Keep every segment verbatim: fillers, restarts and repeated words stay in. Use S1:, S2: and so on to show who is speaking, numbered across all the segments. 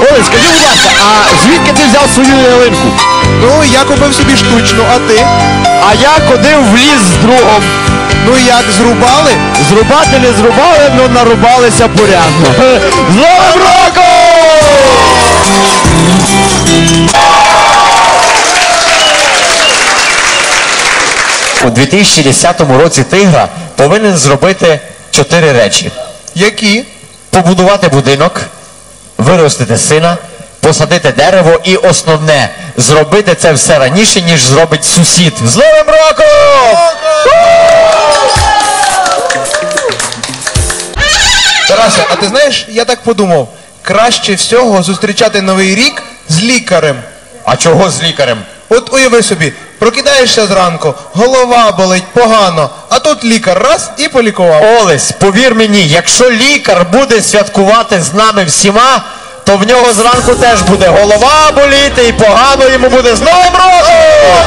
S1: Олесь, скажи, будь ласка, а звідки ти взяв свою ялинку?
S2: Ну, я купив собі штучну, а ти?
S1: А я ходив в ліс з другом.
S2: Ну як, зрубали?
S1: Зрубати не зрубали, але нарубалися порядно. З Новим роком!
S3: У дві тисячі десятому році Тигра повинен зробити чотири речі.
S2: Які?
S3: Побудувати будинок, виростити сина, посадити дерево і основне, зробити це все раніше, ніж зробить сусід. З Новим роком!
S2: Тарасе, а ти знаєш, я так подумав, краще всього зустрічати Новий рік з лікарем.
S3: А чого з лікарем?
S2: От уяви собі, прокидаєшся зранку, голова болить погано, а тут лікар раз і полікував.
S3: Олесь, повір мені, якщо лікар буде святкувати з нами всіма, то в нього зранку теж буде голова боліти і погано йому буде. З Новим роком!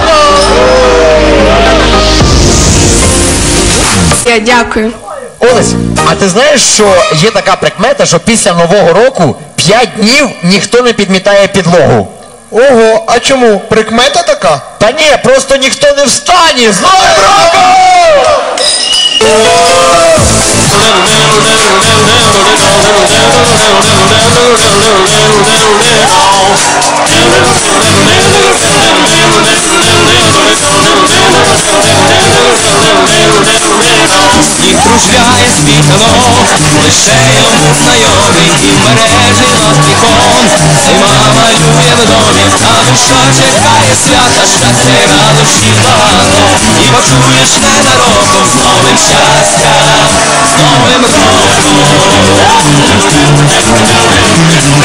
S4: Я дякую.
S3: Олесь, а ти знаєш, що є така прикмета, що після Нового року п'ять днів ніхто не підмітає підлогу?
S2: Ого, а чому? Прикмета така?
S3: Та ні, просто ніхто не встане! З Новим роком!
S5: Сніг кружляє світло, лише йому знайомий, і в мережі над вікон зима малює в домі, а душа чекає свята, щастя й радощів багато, і почуєш ненароком з новим щастя, з Новим роком.